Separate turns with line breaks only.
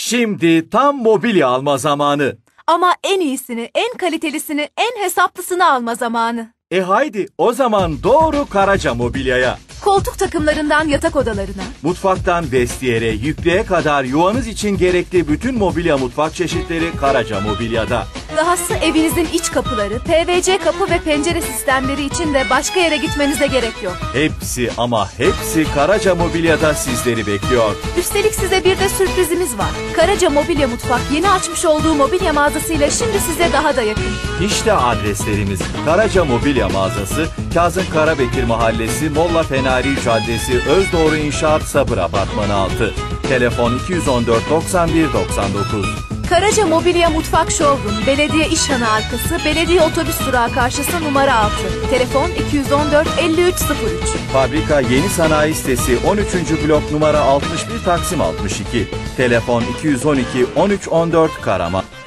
Şimdi tam mobilya alma zamanı.
Ama en iyisini, en kalitelisini, en hesaplısını alma zamanı.
Haydi o zaman doğru Karaca Mobilya'ya.
Koltuk takımlarından yatak odalarına,
Mutfaktan vestiyere, yüklüğe kadar yuvanız için gerekli bütün mobilya mutfak çeşitleri Karaca Mobilya'da.
dahası evinizin iç kapıları, PVC kapı ve pencere sistemleri için de başka yere gitmenize gerek yok.
Hepsi ama hepsi Karaca Mobilya'da sizleri bekliyor.
Üstelik size bir de sürprizimiz var. Karaca Mobilya Mutfak yeni açmış olduğu mobilya mağazasıyla şimdi size daha da yakın.
İşte adreslerimiz: Karaca Mobilya Mağazası, Kazım Karabekir Mahallesi, Molla Fenari Caddesi, Özdoğru İnşaat Sabır Apartmanı 6. Telefon 214 91 99.
Karaca Mobilya Mutfak Showroom, Belediye İşhanı arkası, Belediye Otobüs Durağı karşısı numara 6. Telefon 214 5303.
Fabrika Yeni Sanayi Sitesi 13. blok numara 61 Taksim 62. Telefon 212 13 14 Karaman.